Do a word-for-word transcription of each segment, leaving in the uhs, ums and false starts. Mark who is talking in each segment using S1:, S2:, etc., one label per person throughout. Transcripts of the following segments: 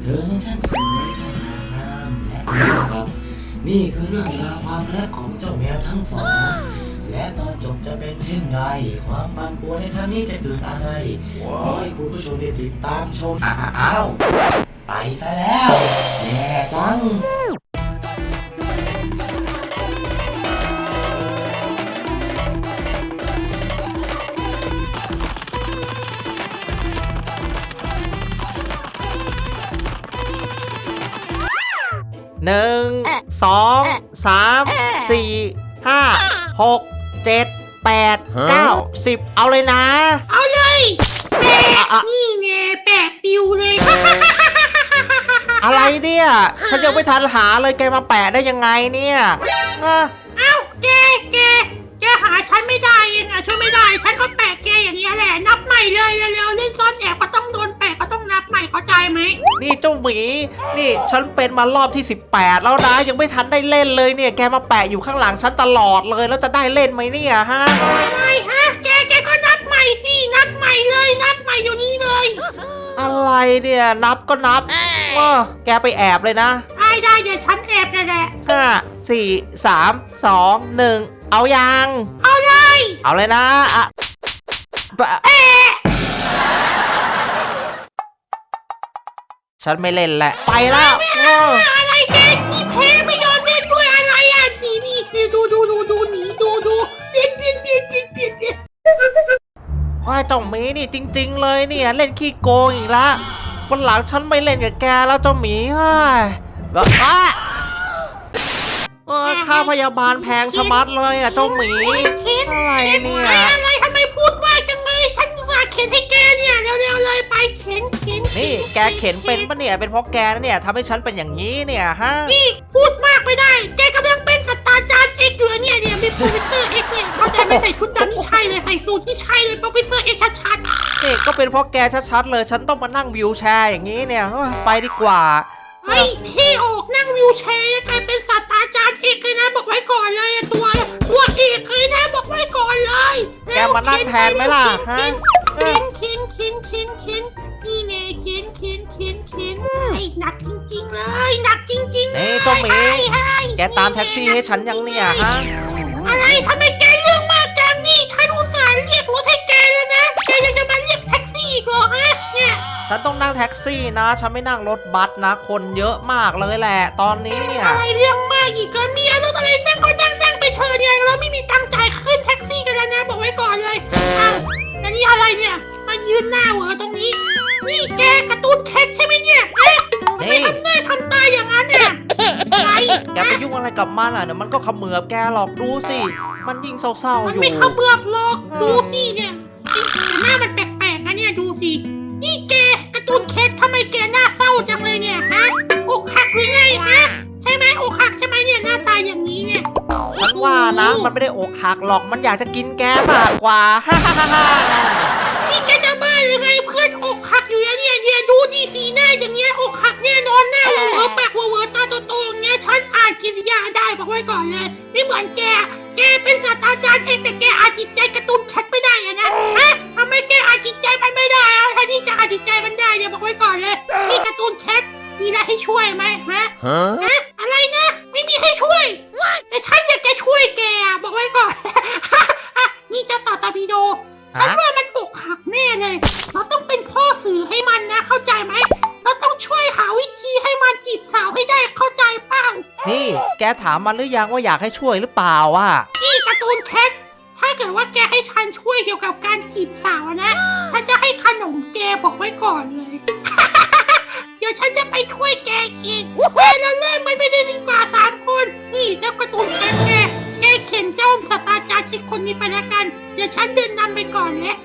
S1: เธอนั้นช่างสวยสง่างามและน่ารักนี่คือเรื่องราวความรักของเจ้าแมวทั้งสองและตอนจบจะเป็นเช่นไรความปั่นป่วนในครั้งนี้จะเกิดอะไรขอให้คุณผู้ชมได้ติดตามชมอ้าวไปซะแล้วแย่จัง
S2: หนึ่งสองสามสี่ห้าหกเจ็ดแปดเก้าสิบเอาเลยนะ
S3: เอาเลยแปะนี่ไงแปะปิวเลย
S2: อะไรเนี่ยฉันยังไม่ทันหาเลยแกมาแปะได้ยังไงเนี่ย
S3: เอ้าแกแกแกหาฉันไม่ได้เองอ่ะช่วยไม่ได้ฉันก็แปะแกอย่างนี้แหละนับใหม่เลยเร็วๆเล่นซ่อนแอบก็ต้องโดนแปะก็ต้องนับใหม่เข้าใจไหม
S2: นี่เจ้าหมีนี่ฉันเป็นมารอบที่สิบแปดแล้วนะยังไม่ทันได้เล่นเลยเนี่ยแกมาแปะอยู่ข้างหลังฉันตลอดเลยแล้วจะได้เล่นไหมเนี่ยฮะ
S3: ไม่ฮะแกแกก็นับใหม่สินับใหม่เลยนับใหม่อยู่นี้เลย
S2: อะไรเนี่ยนับก็นับเออแกไปแอบเลยนะ
S3: ได้ได้เดี๋ยวฉันแอบเลยแหละ
S2: ห้าสี่สามสองหนึ่งเอายัง
S3: เอาเลย
S2: เอาเลยนะอ่ะฉันไม่เล่นแหละไปแล้ว
S3: อะไรแกขี้แพ้ไม่ยอมเล่นด้วยอะไรอ่ะดีนี่ดูดูดูดูหนีดูดูเด็ดเด็ดเด็ดเด็ดเด็ดเด็ด
S2: ว่าเจ้าหมีนี่จริงๆเลยเนี่ยเล่นขี้โกงอีกละวันหลังฉันไม่เล่นกับแกแล้วเจ้าหมีเฮ้ยแบบว่าค่าพยาบาลแพงชะมัดเลยอ่ะเจ้าหมีอะไรเนี่ย
S3: อะไรทำไมพูดมากจังเลยฉันฝากเข็นให้แกเนี่ยเร็วๆเลยไปเข็นเข็น
S2: นี่แกเข็นเป็นปะเนี่ยเป็นเพราะแกนะเนี่ยทำให้ฉันเป็นอย่างนี้เนี่ยฮะ
S3: นี่พูดมากไม่ได้แกกำลังเป็นศาสตราจารย์เอกอยู่เนี่ยเนี่ยเป็นโปรเฟสเซอร์เอกเนี่ยเขาใจไม่ใส่ชุดดำนี่ใช่เลยใส่สูทนี่ใช่เลยโปรเฟสเซอร์เอกชัด
S2: ๆนี่ก็เป็นเพราะแกชัดๆเลยฉันต้องมานั่งวิวแชร์อย่างนี้เนี่ยไปดีกว่า
S3: ไอ้ที่ออกนั่งวิวแชร์กลายเป็นศาสตราจารย์เอกเลยนะบอกไว้ก่อนเลยตัวตัวเอกเลยนะบอกไว้ก่อนเลย
S2: แกมานั่งแทนไหมล่ะฮะ
S3: เข็นเข็นเข็นเข็นเข็นนี่ไงเข็นเข็นเข็นเข็นไอ้หนักจริงๆเลยหนักจริงๆ
S2: นี่เจ้าหมีแกตามแท็กซี่ให้ฉันยังเนี่ยฮะ
S3: อะไรทำไมแกเรื่องมากจังนี่ฉันอุตส่าห์เรียกรถให้แกแล้วนะแกยังจะมาเรียกแท็กซี่อีกเหรอฮะเนี่ย
S2: ฉันต้องนั่งแท็กซี่นะฉันไม่นั่งรถบัสนะคนเยอะมากเลยแหละตอนนี้เนี่ย
S3: อะไรเรื่องมากอีกก็มีรถอะไรนั่งก็นั่งนั่งไปเธอเนี่ยเราไม่มีตังค์จ่ายขึ้นแท็กซี่กันแล้วนะบอกไว้ก่อนเลยอ้าวแล้วนี่อะไรเนี่ยมายืนหน้าเหวอตรงนี้นี่แกการ์ตูนแคทใช่ไหมเนี่ยเอ๊ะทำไมทำหน้าทำตาอย่างนั้นเนี่ย
S2: อะไรแกไปยุ่งอะไรกับมันอ่ะเดี๋ยวมันก็เขมือบแกหรอกดูสิมันยิ่งเศร้าๆอยู่
S3: มันไม่เขมือบหรอกดูสิเนี่ยหน้ามันแปลกๆนะเนี่ยดูสินี่แกการ์ตูนแคททำไมแกหน้าเศร้าจังเลยเนี่ยฮะอกหักหรือไงฮะใช่ไหมอกหักใช่ไหมเนี่ยหน้าตาอย่างนี้เนี่ย
S2: ฉันว่านะมันไม่ได้อกหักหรอกมันอยากจะกินแกมากกว่าฮ่าฮ่าฮ่า
S3: นี่แกจะบ้าหรือไงเพื่อนอกหักอยู่เนี่ยเนี่ยดูดีสีหน้าอย่างเงี้ยอกหักแน่นอนหน้าเวอร์ปากเวอร์ตาโตๆอย่างเงี้ยฉันอ่านกิริยาได้บอกไว้ก่อนเลยไม่เหมือนแกแกเป็นศาสตราจารย์เองแต่แกอ่านจิตใจการ์ตูนแคทไม่ได้อะนะฮะทำไมแกอ่านจิตใจมันไม่ได้อะแทนที่จะอ่านจิตใจมันได้เนี่ยบอกไว้ก่อนเลยนี่การ์ตูนแคทมีอะไรให้ช่วยไหมฮะฮะอะไรนะไม่มีให้ช่วยแต่ฉันอยากจะช่วยแกบอกไว้ก่อนนี่เจ้าต่อตอร์ปิโดฉันว่ามันอกหักแน่เลยเราต้องเป็นพ่อสื่อให้มันนะเข้าใจไหมเราต้องช่วยหาวิธีให้มันจีบสาวให้ได้เข้าใจเปล่า
S2: นี่แกถามมันหรือยังว่าอยากให้ช่วยหรือเปล่าอ่ะ
S3: นี่การ์ตูนแคทถ้าเกิดว่าแกให้ฉันช่วยเกี่ยวกับการจีบสาวนะฉันจะให้ขนมแกบอกไว้ก่อนเลย เดี๋ยวฉันจะไปช่วยแกเองแม่เราเล่นไม่ได้ดีกว่าสามคนนี่เจ้าการ์ตูนแคทแกแกเขียนเจ้าศาสตราจารย์อีกคนนี้ไปแล้วกันเดี๋ยวฉันเดินนำไปก่อนเลย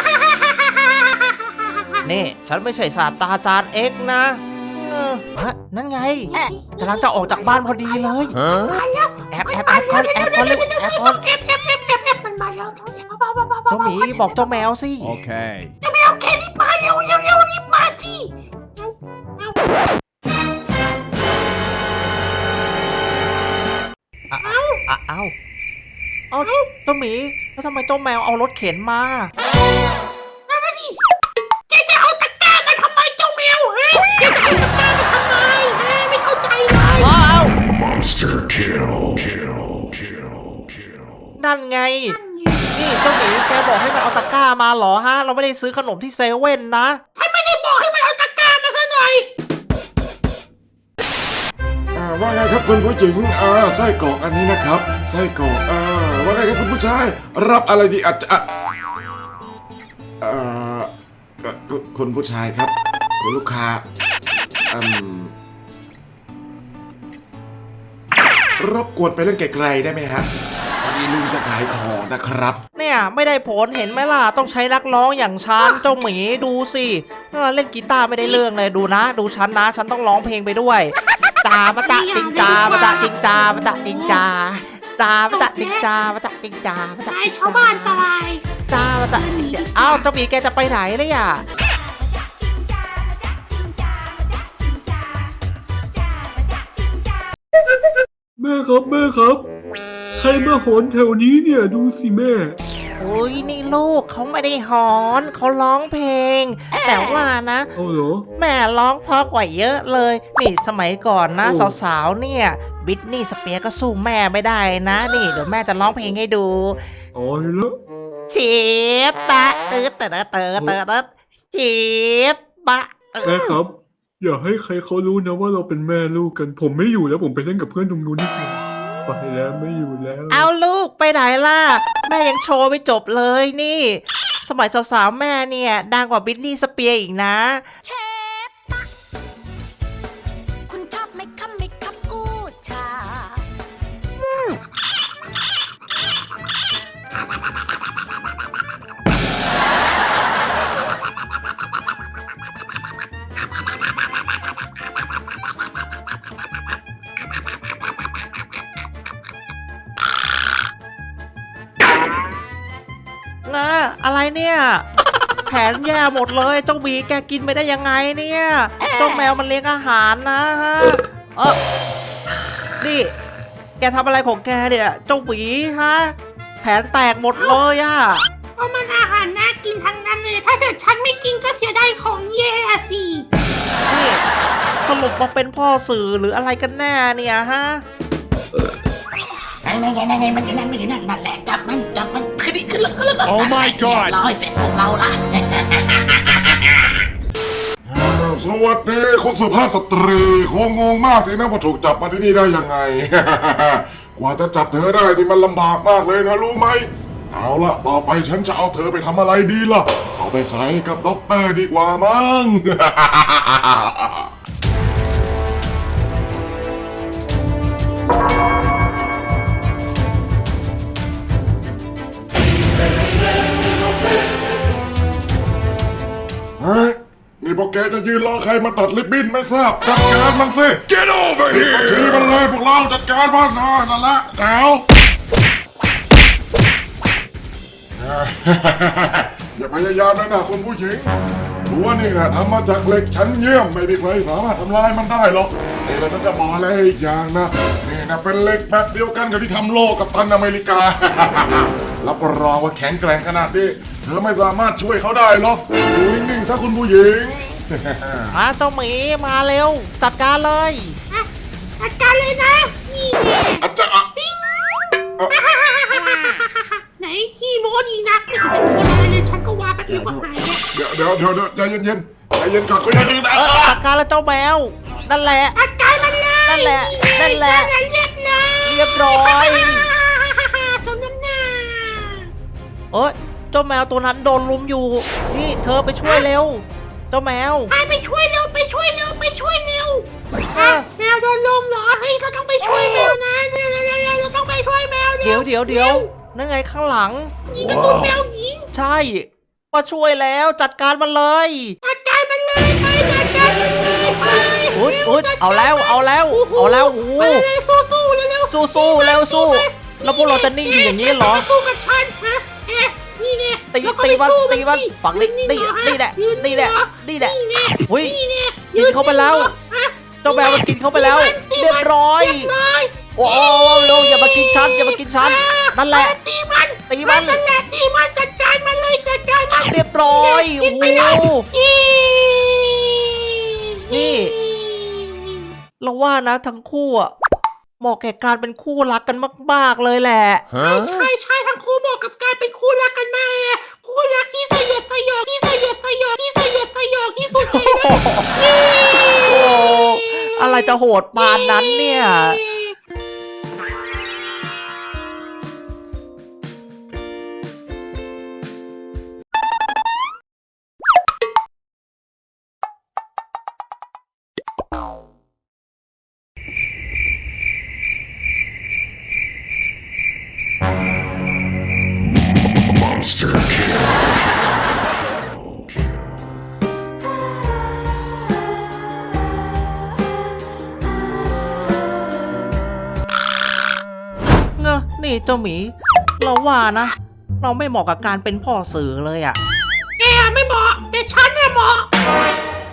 S2: นี่ฉันไม่ใช่ศาสตราจารย์เอ็กนะฮะนั่นไงกำลังจะออกจากบ้านพอดีเลยแอบแอบแอบก่อนแอบก่อนเลยแอบก่อน
S3: แอบแอบแอบแอบแอบมันมาแล้วเ
S2: จ้าหมีบอกเจ้าแมวสิ
S4: โอเค
S3: เจ้าแมวแกรีบมาเร็วเร็วเร็วรีบมาสิ
S2: เอาเอาเอาเอาเจ้าหมีแล้วทำไมเจ้าแมวเอารถเข็นมา
S3: นั่นดิแกจะเอาตะกร้ามาทำไมเจ้าแมวฮะแกจะเอาตะกร้ามา
S2: นั่นไงนี่เจ้าหมีแกบอกให้มันเอาตะกร้ามาเหรอฮะเราไม่ได้ซื้อขนมที่เซเว่นนะ
S3: ฉันไม่ได้บอกให้มันเอาตะกร้ามาซะหน่อย
S4: อ่าว่าไงครับคุณผู้หญิงอ่าไส้กรอกอันนี้นะครับไส้กรอกอ่าว่าไงครับคุณผู้ชายรับอะไรดีอาจจะอ่ะเอ่อเอ่อคุณคุณผู้ชายครับคุณลูกค้าอืมรบกวนไปเล่นไกลๆได้ไหมครับพอดีลุงจะขายของนะครับ
S2: เนี่ยไม่ได้ผลเห็นไหมล่ะต้องใช้นักร้องอย่างฉันเจ้าหมีดูสิเออเล่นกีตาร์ไม่ได้เรื่องเลยดูนะ ดูฉันนะฉันต้องร้องเพลงไปด้วยจามาจะจิงจามาจะจิงจามาจะจิงจาจามาจะจิงจามาจะจิงจามาจะ
S3: ตายชาวบ้านตาย
S2: จามาจะจิงจาอ้าวเจ้าหมีแกจะไปไหนเลยอ่ะ
S5: แม่ครับแม่ครับ ใครมาหอนแถวนี้เนี่ยดูสิแม่
S2: โอ้ยนี่ลูกเขาไม่ได้หอนเขาร้องเพลง แต่ว่านะ
S5: เอาเหรอ
S2: แม่ร้องเพราะกว่าเยอะเลย นี่สมัยก่อนนะ
S5: โอ้
S2: สาวๆเนี่ยบิทนี่สเปียร์ก็สู้แม่ไม่ได้นะ นี่เดี๋ยวแม่จะร้องเพลงให้ดู
S5: อ๋อแล้ว
S2: ชีบปะเติร์ดเติร์ดเติร์ดเติร์ดเติร์ดชีบปะเติ
S5: แม่
S2: ร์ด
S5: ครับ อย่าให้ใครเขารู้นะว่าเราเป็นแม่ลูกกัน ผมไม่อยู่แล้วผมไปเล่นกับเพื่อนตรงนู้นนี่ไปแล้วไม่อยู่แล้ว
S2: เอาลูกไปไหนล่ะ แม่ยังโชว์ไม่จบเลยนี่ สมัยสาวๆแม่เนี่ยดังกว่าบิทนี่สเปียร์อีกนะ
S6: เชฟปะคุณชอบไหมครับไหมครับกูชา
S2: นะอะไรเนี่ย แผนแย่หมดเลยเจ้าหมีแกกินไปได้ยังไงเนี่ยเจ้าแมวมันเลี้ยงอาหารนะฮะเออนี่แกทำอะไรของแกเนี่ยเจ้าหมีฮะแผนแตกหมดเลยอะ
S3: เพราะมันอาหารน่ากินทั้งนั้นเลย ถ้าเกิดฉันไม่กินก็เสียดายของแย่สิ
S2: นี่สรุปมาเป็นพ่อสื่อหรืออะไรกันแน่เนี่ยฮะ
S1: นั่นไงนั่นไงมันอยู่นั่นมันอยู่นั่นนั่นแหละจับมันจับมันขึ้นดิขึ้นแล้วขึ้นแล้ว
S7: Oh my god
S1: เรียบร้อยเสร็จพวกเราละ
S4: อ้าวสวัสดีคุณสุภาพสตรีคงงงมากสินะว่าถูกจับมาที่นี่ได้ยังไง กว่าจะจับเธอได้นี่มันลำบากมากเลยนะรู้ไหมเอาละต่อไปฉันจะเอาเธอไปทำอะไรดีล่ะ เอาไปขายให้กับด็อกเตอร์ดีกว่ามั้ง เฮ้ยนี่พวกแกจะยืนรอใครมาตัดริบบิ้นไม่ทราบจัดการมันสิ
S7: Get over
S4: ปิดบัญชี
S7: here!
S4: มันเลยพวกเราจัดการมันนะนั่นแหละแถว อย่าพยายามเลยนะคุณผู้หญิงรั้วนี่นะทำมาจากเหล็กชั้นเยี่ยมไม่มีใครสามารถทำลายมันได้หรอกนี่เราจะบอกอะไรอีกอย่างนะนี่นะเป็นเหล็กแบบเดียวกันกับที่ทำโลกกับตันอเมริกา รับรองว่าแข็งแกร่งขนาดนี้เธอไม่สามารถช่วยเขาได้หรอกอยู่นิ่งๆซะคุณผู้หญิง
S2: มาเจ้าหมีมาเร็ว จัดการเลย
S3: อ่ะจัดการเลยนะ นี่แน่
S4: อาจจะอ่ะ
S3: ไหนขี้โม้ดีนักไม่เห็นจะโม้อะไรเลยฉันก็ว่าแป๊บเดียวก็หายแล้ว
S4: เดี๋ยวเดี๋ยวเดี๋ยวเดี๋ยวใจเย็นๆใจเย็นก่อนคุยกันนะ
S2: เออจัดการแล้วเจ้าแมว นั่นแหละ
S3: จัดการมันเลย
S2: นั่นแหละนั่นแหละ
S3: นั่นเรียบร้อย
S2: เรียบร้อย
S3: สมน้ำหน้า
S2: เอ้ยเจ้าแมวตัวนั้นโดนลุมอยู่ นี่เธอไปช่วยเร็ว เจ้าแมว
S3: ไปไปช่วยเร็วไปช่วยเร็วไปช่วยเร็ว
S2: เออ
S3: แมวโดนลมเหรอเฮ้ยเราต้องไปช่วยแมวนะเร็วเร็วเร็วเร็วเราต้องไปช่วยแมวเร็
S2: เดี๋ยวเดี๋ยวเดี๋ยวนั่นไงข้างหลัง
S3: ยิงกระตุ้นแมวยิง
S2: ใช่มาช่วยแล้วจัดการมันเลย
S3: จัดการมันเลยไปจัดการมันเลยไป
S2: อุ๊ย
S3: ร็ว
S2: อุ๊ย
S3: จัดกร
S2: เอาแล้วเอาแล้ว
S3: โโห
S2: เอาแล้วโอ้โห
S3: ไปเลยสู้สู้เร็วเร็ว
S2: สู้สู้เร็วสู้ แล้วพวกเราจะนิ่งอยู่อย่างนี้เหรอ
S3: สู้กับฉันฮะเอ๊ะนี่เนี่ย
S2: ตี
S3: แล้วก็
S2: ตี
S3: ไป
S2: มัน
S3: สู้
S2: ตีมัน
S3: สิ
S2: ฝังนี่
S3: ยื
S2: นี่
S3: เหรอฮ
S2: นี่แหละ
S3: ยื
S2: นี่แหละ
S3: เรอ
S2: นี่แหละ
S3: นี่แน่
S2: อุ๊ย
S3: นี่แน่
S2: กินเข้าไปแล้ว
S3: ฮะ
S2: เจ้าแมวมันกินเข้าไปแล้ว
S3: ตีมัน
S2: เรียบร้อย
S3: เรียบร้อย
S2: โอ้โหเร็วอย่ามากินฉันอย่ามากินฉันนั่นแหละ
S3: ตีมัน
S2: ตีมัน
S3: นั่นแหละตีมันจัดการมันเลยจัดการมัน
S2: เรียบร้อย
S3: กิ
S2: โอ้
S3: น
S2: โห
S3: ไปแล้วอี
S2: นี่ เราว่านะทั้งคู่อะเหมาะแก่การเป็นคู่รักกันมากๆเลยแหละ
S3: ใช่ใช่ทั้งคู่เหมาะกับการเป็นคู่รักกันมากเลยอะคู่รักที่สยดสยองที่สยดสยองที่สยดสยองที่สุดเลยนะ
S2: โอ้อะไรจะโหดปานนั้นเนี่ย เงอะนี่เจ้าหมี เราว่านะ เราไม่เหมาะกับการเป็นพ่อสื่อเลยอะ
S3: แกไม่เหมาะแต่ฉันเนี่ยเหมาะ